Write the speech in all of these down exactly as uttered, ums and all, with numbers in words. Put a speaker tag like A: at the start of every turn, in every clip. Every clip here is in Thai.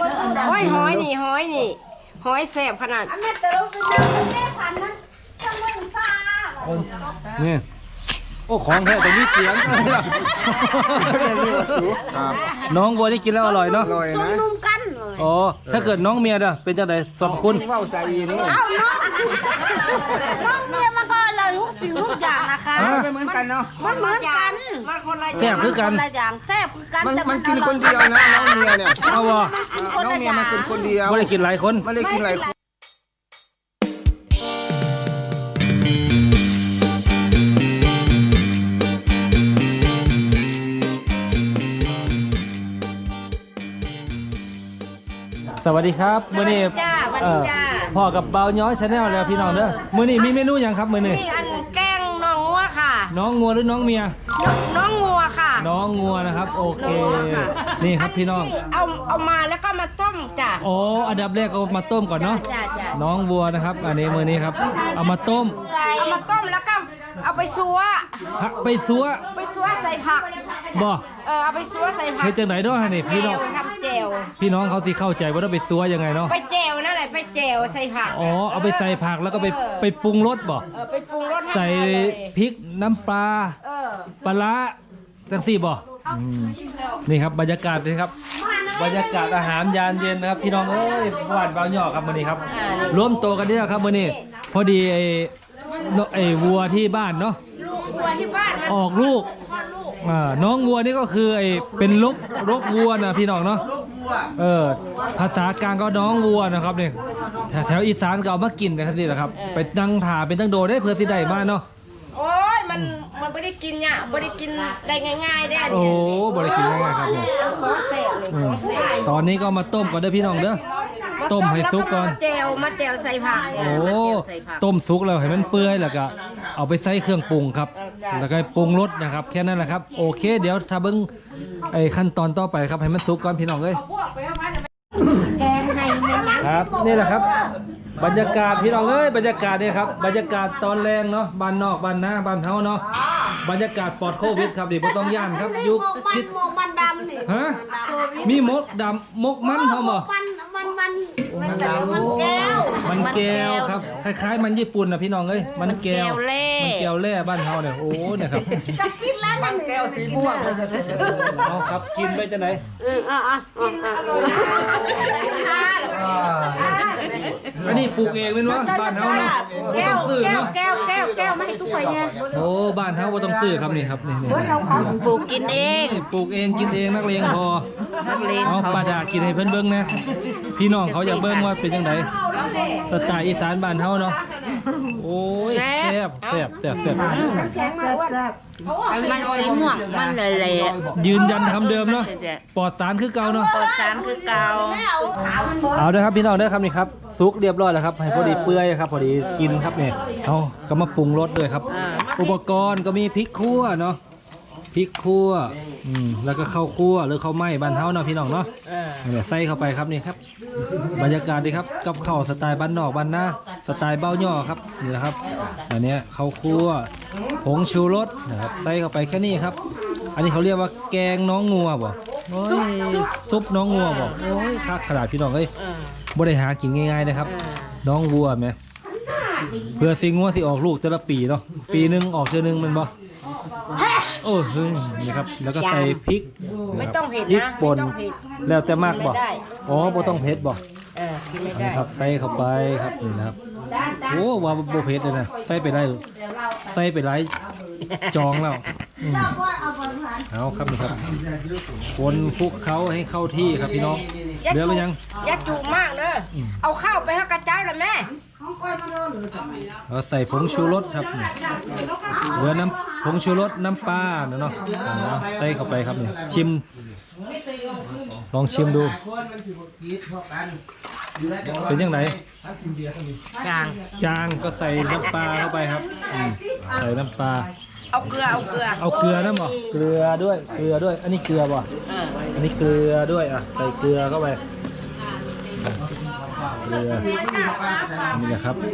A: โอ้ยหอยนี่หอยนี่หอยแสบขนาด
B: นี่โอ้ของแท้แต่นี่เสียงน้องบัวนี่กินแล้วอร่อยเนาะ
C: อร่อยนะ
A: นุ่มกัน
B: อ๋อถ้าเกิดน้องเมียเด้อเป็นจังไดสรรพคุณ
C: ว่าวใจนี่
A: เอ้าน้องน้องเมียมันก็อร่อยทุกสิ่งทุกอย่างนะคะ
C: ไม่เหมือนกันเนาะ
A: มันเหมือนกันมันคนละ
B: แซ่บคือกัน
A: คนละอย่างแซ่บคือกัน
C: มัน
A: แต่
C: มันกินคนเดียวนะน้องเมียเนี่ย
B: เอาวะ
C: น้องเมียมันกินคนเดียว
B: ไม่ได้กินหลายคน
C: ไม่ได้กินหลายคน
B: สวัสดีครับมื้อนี้
A: จ้าวัน
B: เอ่
A: นี้
B: อ
A: จ้า
B: พ่อกับเบาย้อยชาแนลแล้วพี่น้องเด้อมื้อนี้มีเมนูหยังครับมื้อนี้
A: นี่อันแกงน้องงัวค่ะ
B: น้องงัวหรือน้องเมีย
A: น้องน้องงัวค่ะ
B: น้องงัวนะครับโอเค
A: น้องงัวค่ะ
B: นี่ครับพี่น้อง
A: เอาเอามาแล้วก็มาต้มจ้ะ
B: อ๋ออันดับแรกเอามาต้มก่อนเนาะ
A: จ้าจ้า
B: น้องวัวนะครับอันนี้มื้อนี้ครับเอามาต้ม
A: เอามาต้มแล้วก็เอาไปซัว
B: ผักไปซัว
A: ไปซัวใส่ผัก
B: บ่
A: เออเอาไปซัวใส่ผัก
B: เฮ็ดจังได๋เนาะนี่พี่น้อง
A: แจวทำแจว
B: พี่น้องเขาสิเข้าใจว่าต้องไปซัวยังไงเนาะ
A: ไปแจวนั่นแหละไปแจวใส่ผัก
B: อ๋อเอาไปใส่ผักแล้วก็ไปไปปรุงรสบ่
A: เออไปปรุงรสให้
B: ใส่
A: มันอร่อย
B: พริกน้ำปลา
A: เออ
B: ปลาร้าจังซี่บ่อืมนี่ครับบรรยากาศนี่ครับบรรยากาศอาหารยามเย็นนะครับพี่น้องเอ้ยหวานเบาหยอกครับมื้อนี้ครับรวมตัวกันเนี่ยครับมื้อนี้พอดีไอ้นไอ้วัวที่บ้านเนาะ
A: ลูกวัวที่บ้านมัน
B: ออกลูกอ่าน้องวัวนี่ก็คือไอ้เป็นลกลกวัวนะพี่น้องเนาะเออภาษากลางก็น้องวัวนะครับเนี่ยแถวแถวอีสานก็เอามากินนะครับนี่แหละครับไปนั่งถ่าเป็นตั้งโดได้เพื่อสิได้มาเนาะ
A: โอ้ยมันมันไม่ได้กินเนี่ยไม่ได้กินได้ง่ายๆได้
B: โอ้
A: เนี่ย
B: บริกินง่ายๆครับเนี่ย
A: ของแสบเลยของแสบ
B: ตอนนี้ก็มาต้มก่อนเด้อพี่น้องเด้อต้มให้สุกก่อน
A: มาแจวมาแจวใส่ผัก
B: โอ้
A: มาแจวใส่ผัก
B: ต้มสุกแล้วให้มันเปื่อยแล้วก็เอาไปใส่เครื่องปรุงครับแล้วก็ปรุงรสนะครับแค่นั้นแหละครับโอเค เดี๋ยวถ้าเบิ้งไอ้ขั้นตอนต่อไปครับให้มันสุกก่อนพี่น้องเลย
A: แกงให้แม่ยัง
B: ครับนี่แหละครับ บรรยากาศพี่น้องเอ้ยบรรยากาศนี่ครับบรรยากาศตอนแรงเนาะบ้านนอกบ้านนาบ้านเฮาเนาะบรรยากาศปลอดโควิดครับดิบ่ต้องย่านครับยุคชิด
A: หมกมันดำนี่
B: ฮะมีมกดำมกมันเขาบ่
A: มันมันมันมันแต่มันแก้ว
B: มันแก้วครับคล้ายๆมันญี่ปุ่นนะพี่น้องเอ้ยมันแก้วมันแก้วแร่บ้านเฮาเนี่ยโอ้เนี่ยครับ
A: จะกินแล้ว
C: มันแก้วสีม่วงเลยจะเป็น
B: เอาครับกินไปจะไหน
A: เอออ่ะอ่ะอ่ะ
B: อันนี้ปลูกเองเป็นวะบ้านเฮาเนาะบ่
A: แก้
B: ต้
A: ว
B: องซื้อ
A: แก้ว
B: เนาะ
A: แก้วแก้วแก้วไม่ให้ทุกคนเนี่ย
B: โอ้บ้านเฮาบ่ต้องซื้อครับนี่ครับนี่นี่
A: ปลูกกินเอง
B: ปลูกเองกินเองนักเลงพอ
A: นักเลง
B: เอาปลาดากินให้เพิ่นเบิ่งนะพี่น้องเขาอยากเบิ่งว่าเป็นจังไดสไตล์อีสานบ้านเฮาเนาะโอ้ยแซ่บแซ่บแซ่บแซ่บ
A: แข็งมากว่ามันสีม่วงมันเลยเลย
B: ยืนยันคำเดิมเนาะปลอดสารคือเก่าเนาะ
A: ปอดสารคือเกา
B: เอาเด้อครับพี่น้องเด้อครับนี่ครับซุกเรียบร้อยแล้วครับให้พอดีเปื่อยครับพอดีกินครับเนี่ยเอาก็มาปรุงรสด้วยครับ อุปกรณ์ก็มีพริกคั่วเนาะพริกคั่วอืมแล้วก็ข้าวคั่วหรือข้าวไหม้บ้านเฮาเนาะพี่น้องเนาะเนี่ยใส่เข้าไปครับนี่ครับบรรยากาศดีครับกับข้าวสไตล์บ้านนอกบ้านนาสไตล์เบ้าย่อครับนี่นะครับอันเนี้ยข้าวคั่วผงชูรสนะครับใส่เข้าไปแค่นี้ครับ อันนี้เขาเรียกว่าแกงน้องงัวบ่โอ้ยซุปน้องงัวบ่โอ้ยคักขนาดพี่น้องเอ้ยบ่ได้หากินง่ายๆนะครับ น้องวัวไหมเพื่อสิงัวสิออกลูกแต่ละปีเนาะปีหนึงออกเทื่อนึงแมันบ่โอ้เฮ้ยนี่ครับแล้วก็ใส่พริก
A: ไม่ต้องเผ็ด
B: พริก
A: นะ
B: ป่น
A: ไม่ต้องเผ็ด
B: แล้วแต่มากบ่
A: ไม่ได้
B: อ๋อบ่ต้องเผ็ดบ่
A: เออกินไม่
B: นี่
A: ได้
B: ครับใส่เข้าไปครับนี่นะครับโอ้ว่าบ่เผ็ดเลยนะใส่ไปได้ใส่ไปหลายจองแล้วอืมเอาครับนี่ครับคนคลุกเคล้าให้เข้าที่ครับพี่น้องเหลือไปยัง
A: อย่าจุมากเด้ออเอาข้าวไปให้กระเจ้าเลยแม่
B: เราใส่ผงชูรสครับนี่เหลือน้ำผงชูรสน้ำปลาเนาะเอาใส่เข้าไปครับนี่ชิมลองชิมดูเป็นยังไง
A: จาง
B: จางก็ใส่น้ำปลาเข้าไปครับอืมใส่น้ำปลา
A: เอาเกลือเอาเกลือ
B: เอาเกลือนะบ่เกลือด้วยเกลือด้วย อันนี้เกลือบ่
A: เออ
B: อันนี้เกลือด้วยอ่ะใส่เกลือเข้าไปเกลือนี่แหละครับ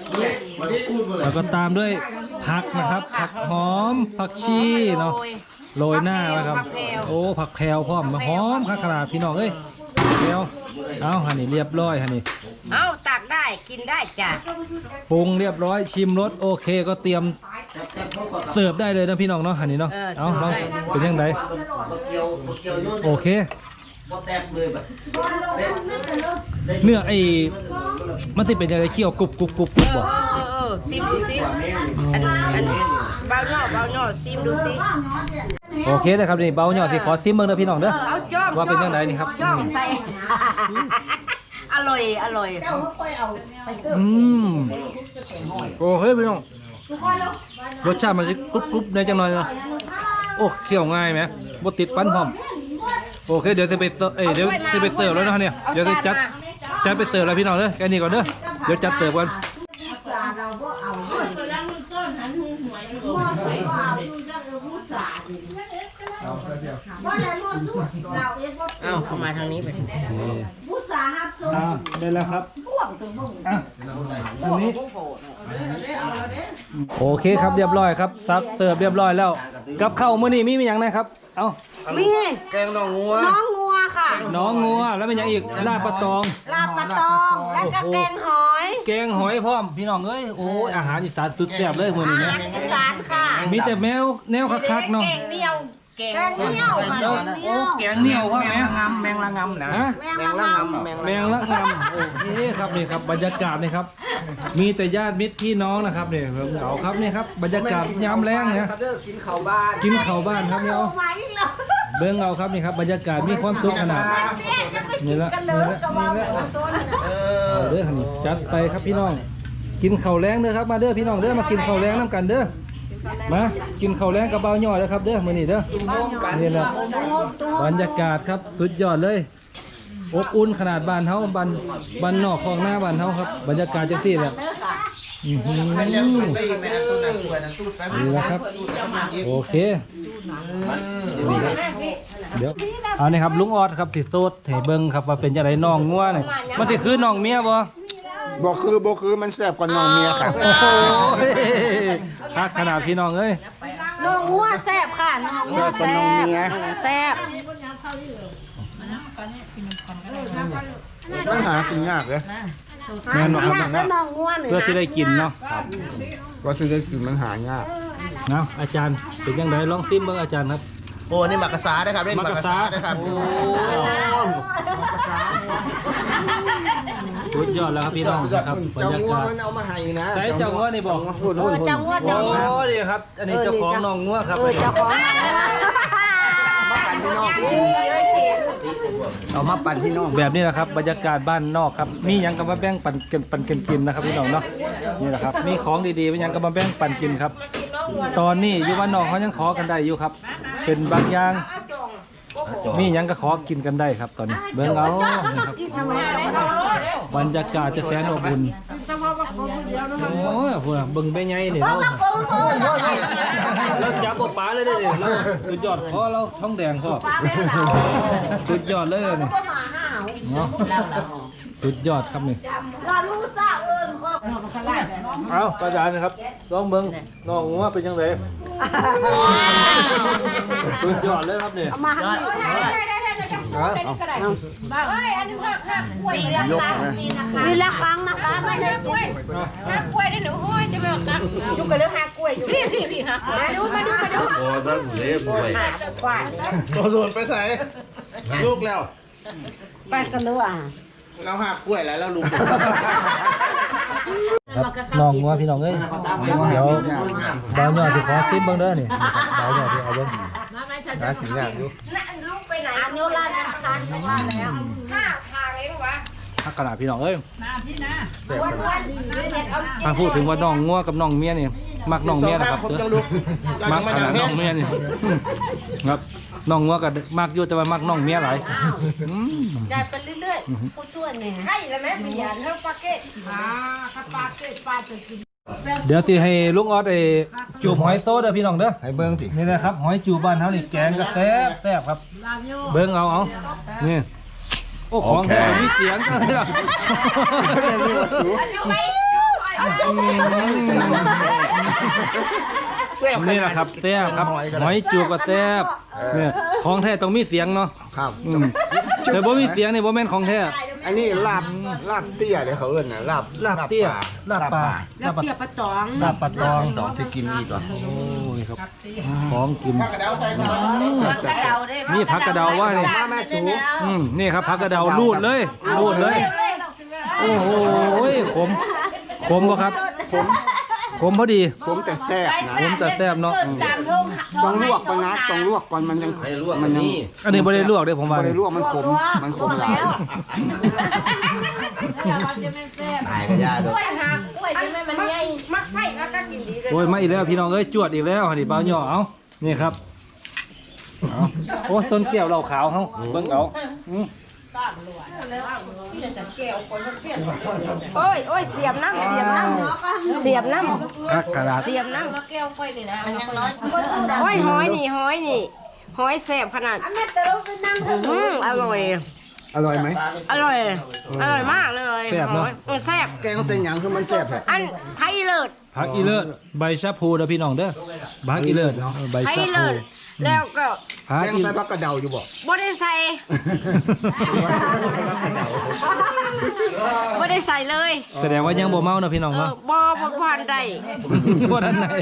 B: แล้วก็ตามด้วยผักนะครับผักหอมผักชีเนาะโรยหน้าไว้ครับโอ้ผักแพรวพร้อมมาหอมขนาดพี่น้องเอ้ยแพรวเอาหันนี่เรียบร้อยหันนี่
A: เอาตักได้กินได้จ้ะ
B: ปรุงเรียบร้อยชิมรสโอเคก็เตรียมเสิร์ฟได้เลยนะพี่น้องเนาะหันนี่เนาะเอาลองเป็นยังไงโอเคเนื้อไอ้มันสิเป็นยังไงเคี่ยวกรุบกรุบกรุบกรุบบ่
A: เออเออซิมดูสิอันอันเบาหน่อเบาหน่อซิมดูสิ
B: โอเคนะครับนี่เบาหน่อยสิขอซิมเบิ่งเด้อพี่น้อง
A: เอ
B: เด้อ
A: อเอาจ้อม
B: ว่าเป็นยังไงนี่ครับ
A: จ้อมใส่ อร่อยอร่อย
B: อืมโอเคพี่น้องรสชาติมันจะกรุบกรุบในจังหน่อยเนาะโอ้เคี่ยวง่ายไหมบ่ติดฟันพร้อมโอเคเดี๋ยวจะไปเสิร์ฟเอ้ยเดี๋ยวจะไปเสิร์ฟแล้วนะเนี่ยเดี๋ยวจะจัดจัดไปเสิร์ฟแล้วพี่น้องเด้อแค่นี้ก่อนเด้อเดี๋ยวจัดเสิร์ฟกัน
A: เอาเข้ามาทางนี้ไป
B: อ่าได้แล้วครับอ่ะอันนี้โอเคครับเรียบร้อยครับซักเสิร์ฟเรียบร้อยแล้วกับข้าวมื้อนี้มีมีหยังนะครับเอ้า
A: นี่
C: แกงหน่องัว
A: น้องงัวค่ะ
B: น้องงัวแล้วเป็นหยังอีกลาบปลาตอง
A: ลาบปลาตองและก็แกงหอย
B: แกงหอยพร้อมพี่น้องเอ้ยโอ้ยอาหารอีสานสุดแซ่บเลยมื้อนี้
A: อา
B: เนี่ย
A: หารอีสานค่ะ
B: มีแต่แมวแนวคักๆเนาะ
A: แกงเหนียวแกงเหนียวค่ะ
B: โอ้แกงเหนียวพ่อ
C: แม
B: แม่
C: งละงำแมงละงำนะ
B: ฮะ
C: แมงละงำแมง
B: แมงละงำโอเคครับนี่ครับบรรยากาศนี่ครับ มีแต่ญาติมิตรพี่น้องนะครับเนี่ยเหงาครับนี่ครับบรรยากาศยามแรงเนี่ย
C: กินข้าวบ้าน
B: กินข้าวบ้านครับเนี่ยเอาเบิ้งเอาครับนี่ครับบรรยากาศมีความสุขขนาดนี่ละนี่ละนี่ละ
C: เออ
B: เอาเด้อนี่จัดไปครับพี่น้อง กินข้าวแรงเด้อครับมาเด้อพี่น้องเด้อมากินข้าวแรงน้ำกันเด้อมากินข้าวแรงกับเบาหน่อยเด้อครับเด้อมื้อนี้เด้อนี่แหละบรรยากาศครับสุดยอดเลยอบอุ่นขนาดบ้านเฮาบ้านบ้านนอกของหน้าบ้านเฮาครับบรรยากาศจังซี่แหละอื้อหือ
C: แม่ยังไม่แม่ตู้นั้นตู้นั้นตู้แป๊บ
B: นี่แหละครับโอเคนี่ครับเดี๋ยวเอานี่ครับลุงออดครับสิโซดให้เบิ่งครับว่าเป็นจังไดน้องงัวนี่มันสิคือน้องเมียบ่
C: บอกคือบอกคือมันแซ่บกว่าน้องเมียค่ะ
B: โอ้โหคักขนาดพี่น้องเอ้ย
A: น้องงัวแซ่บค่ะน้องงัวแซ่บแซ่บ
C: มันหากินยากเลย
B: แม่นบ่ครับ
A: แล้วน้องงัวหนึ่ง
B: เพื่อที่ได้กินเนาะ
C: ก็ซื้อได้กินมันหายาก
B: เนาะอาจารย์เป็นจังไดลองซิมเบิ่งอาจารย์ครับ
C: โอ้นี่หมักกระซาได้ครับเล่นหมักกระซาได้ครับ
B: โอ้สุดยอดแล้วครับพี่น้องครับบรร
C: เจ้าย
B: า
C: งัว
B: กาศ
C: มันเอามาให้นะ
B: ใส่เจ้างัวนี่บอก
C: พูด
A: เอ
C: พูด
A: อ
C: พูด
A: จังงัว
B: โอ้
A: จังงัว
B: นี่ครับ อันนี้เจ้าของน้องงัวครับ
A: เออเจ้าของ
C: มาปั่นพี่น้องเอามาปั่นพี่น้อง
B: แบบนี้แหละครับบรรยากาศบ้านนอกครับมีหยังก็มาแบ่งปันกันปันกันกินนะครับพี่น้องเนาะนี่แหละครับมีของดีๆมีหยังก็มาแบ่งปันกินครับ ตอนนี้อยู่บ้านนอกเขายังขอกันได้อยู่ครับ เป็นบางอย่างมีหยังก็ขอกินกันได้ครับ ตอนนี้เบิ่งเอานะครับบรรยากาศจะแสนอบอุ่นโอ้ยพวกเบิ่งไปไงนี่เราเราจับบ่ปลาเลยเด้อเราสุดยอดพอเราท้องแดงพอสุดยอดเลยนี่เนาะสุดยอดครับนี่เอาประจานนะครับลองเบิ่งน้องว่าเป็นยังไงสุดยอดเลยครับนี่
A: มาให้เฮ้ยอันนี้ว่าข้าวกล้วยราคามีนะคะมีราคานะคะไม่ได้กล้วยข้าวกล้วยได้หนูโอ้ยจะไม่เอาครับยุกกันเรื่องข้าวกล้วยอยู่พี่พี่พี่ฮะมาดูมาดูมาดู
D: โอ้ยบ้านเล็บด้วย
A: กล้วย
C: ตัวส่วนไปใส่ลูกแล้ว
A: ไปกันเลยอ่ะ
C: เราหักกล้วยแล้วเราลุง
B: ครับน้องงัวพี่น้องเอ้ยเดี๋ยวดาวหยอดสิขอซิมเบิ่งเด้อนี่ดาวหยอดสิเอาเบิ่ง
C: หากินยากอยู่
A: ลูกไปไหนอันนี้ร้านนั้นนะคะที่ว่าแล้วห้าทางเลยหรอวะ
B: ถ้าขนาดพี่น้องเอ้ย
C: แซ่บขนาด
B: ถ้าพูดถึงว่าน้องงัวกับน้องเมียนี่มักน้องเมียนะครับ
C: ผม
B: เด้
C: จะ
B: อ
C: ลุก
B: มักขนาดน้องเมียนี่ครับน้องงัวก็มักอยู่แต่ว่ามักน้องเมียหลายอืม
A: ได้ไปเรื่อยๆผู้ช่วยเนี่ยให้แล้วแม่ปียานเท่าปาเกตอ่าถ้าปาเกตปาจะกิน
B: เดี๋ยวสิให้ลุงออสไอ้จูบหอยโซเด้อพี่น้องเด้อ
C: ให้เบิ้งสิ
B: นี่นะครับหอยจูบบ้านเฮานี่แกงก็แซ่บแซ่บครับ เบิ่งเอาเอานี่โอ้ของแท้มีเสียงกันเลยล่ะ
A: อยู่ไหม
C: แซ่บ
B: นี่แหละครับแซ่บครับหอยจูบกับแซ่บเนี่ยของแท้ต้องมีเสียงเนาะ
C: ครับ
B: อืมแต่บ่มีเสียงนี่บ่แม่นของแท้
C: อันนี้ลาบลาบเตี้ยเดี๋ยวเขาเอิ้นน่ะลาบ
B: ลาบเตี้ยลาบปลา
A: แล้วเปียกปลาตอง
B: ลาบปลาตอง
C: ตองที่กินนี่ก่อน
B: โอ้ยครับของกิน
A: ผักกระเดาได้
B: นี่ผักกระเดาว่านี่
C: มาแม่สู
B: อืมนี่ครับผักกระเดารูดเลยรูดเลย โอ้โหขมขมบ่ครับขมขมพอดี
C: ผมแต่แซ่บนะ
B: ผมแต่แซ่บเนาะ
C: ต้องลวกก่อนนะต้องลวกก่อนมันยังมันยัง
B: อันนี้บ่ได้ลวกเด้อผมว่า
C: บ่ได้ลวกมันขมมันขมหลายตายก็ยาด้
A: ก
C: ว
A: ล้วย ยหักกล้วยจะไม่มันใหญ่มักไส้แล้วก็กินดีเลย
B: โอ้ยมาอีกแล้วพี่น้องเอ้ยจวดอีกแล้วนี่เบาหย่อเอานี่ครับเอาโอ้ส้นแก้วเราขาวเฮาเบิ่งเอาอืม
A: โอ้ยโอ้ยเสียบน้ำเสียบน้ำเสียบน้ำ
B: ผักกระดาษ
A: เสียบน้ำแก้วกล้วยนี่นะมันยังน้อยโอ้ยหอยนี่หอยนี่หอยแซ่บขนาดอืมอร่อย
C: อร่อยไหม
A: อร่อย อร่อยมากเลย
B: แซ่บเนาะ
A: เออแซ่บ
C: แกงเส้นหยังคือมันแซ่บแท้
A: อันไทยเลิศ
B: ผักอีเลิศใบชะพูเด้อพี่น้องเด้อผักอีเลิศเนาะใบ
A: ไทย
B: ชะพู
A: เลิศแล้วก็
B: ผัก
C: แกง
B: อี
C: ใส่ผักกระเดาอยู่บ่
A: บ่ได้ใส่บ่ได้ใส่เลย
B: แสดงว่ายังบ่เมาเนาะพี่น้อง
A: เออ
B: เนาะ
A: บ่บ่ผ่านได้
B: บ่ทันไหน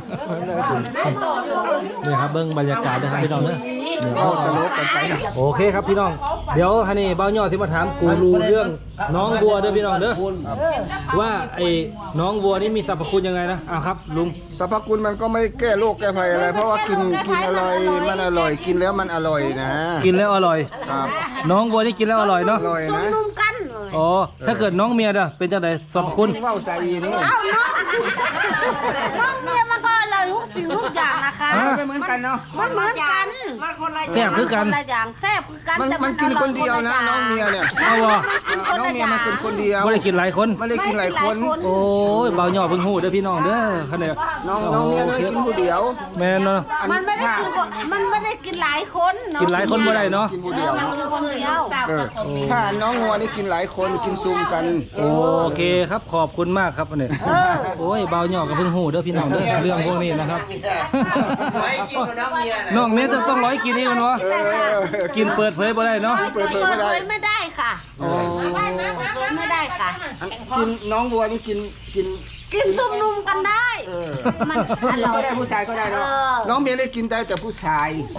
B: นี่ครับเบิ่งบรรยากาศนะครับพี่น้องเด้อนี่
C: เอาตลกกันไปนะ
B: โอเคครับพี่น้องเดี๋ยวฮันนี่เบ้าหย่อที่มาถามกูรูเรื่องน้องวัวเด้อพี่น้องเด้อว่าไอ้น้องวัวนี่มีสรรพคุณยังไงนะอ้าวครับลุง
C: สรรพคุณมันก็ไม่แก้โรคแก้ภัยอะไร เพราะว่ากินกินอร่อยมันอร่อยกินแล้วมันอร่อยนะ
B: กินแล้วอร่อย
C: ครับ
B: น้องวัวนี่กินแล้วอร่อย
C: อ
B: เนาะ
C: ร่อยนะ
A: นุ่มกัน
B: อ๋อถ้าเกิดน้องเมียเด้อเป็นจังไดสรรพคุณ
C: ว่าวใจนี่
A: เอ้าน้องน้องเมียมันก็อร่อยทุกสิ่งทุกอย่างนะคะ
C: ไม่เหมือนกันเนาะ
A: มันเหมือนกันมันคนละ
B: แซ่บคือกัน
A: ละอย่างแซ่บคือกัน
C: มัน
A: แต่
C: มันกินคนเดียวนะน้องเมียเนี่ย
B: เอาวะ
C: น้องเมียมันกินคนเดียว
B: ไม่ได้กินหลายคน
C: ไม่ได้กินหลายคน
B: โอ้ยเบาหย่อเพิ่งหูเด้อพี่น้องเด้อคันนี้
C: น้องน้องเมียน้อยกินผู้เดียว
B: แม่นเนาะ
C: อั
A: มันไม่ได้กินคนมันไม่ได้กินหลายคนเนาะ
B: กินหลายคนบ่ได้เนาะ
C: กินผู้เดียว
A: มันคือคนเดียว
C: เออถ้าน้องงัวนี่กินหลายคนกินซุ่มกัน
B: โอเคครับขอบคุณมากครับอันนี้โอ้ยเบาหย่อกับเพิ่งหูเด้อพี่น้องเด้อเรื่องพวกนี้นะครับ
C: ไม่กินกับน้องเมีย
B: น้องเมียต้องต้องร้อยกินนี่กันวะ
C: เออ
B: กินเปิดเผยบ่ได้เนาะ
C: เปิดเผยไม่ได้
A: ไม่ได้ค่ะ
B: โอ้
A: ไม่ได้ค่ะ
C: อันกินน้องวัวนี่กินกิน
A: กินซุ่มนุ่มกันได้
C: เออ
A: มันอ
C: ผู้หญิง
A: ร่อ
C: ก็
A: ย
C: ได้ผู้ชายก็ได้เนาะ
A: เออ
C: น้องเมียได้กินได้แต่ผู้ชาย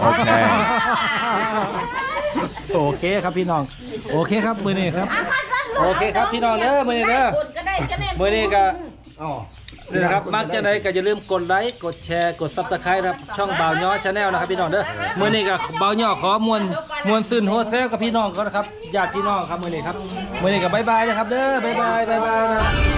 B: โอเคครับพี่น้องโอเคครับมือนี้ครับโอเคครับพี่น้องเด้อมือนี้เด้อมือนี้ก็
C: อ๋อ
B: นี่นะครับมักจะได้ก็อย่าลืมกดไลค์กดแชร์กดซับสไครต์ครับช่องบ่าวย้อชาแนลนะครับพี่น้องเด้อมือนี้ก็บ่าวย้อขอมวลมวลซื่นโฮเซลกับพี่น้องก็นะครับญาติพี่น้องครับมือนี้ครับมือนี้ก็บ๊ายบายนะครับเด้อบ๊ายบายบ๊ายบายนะ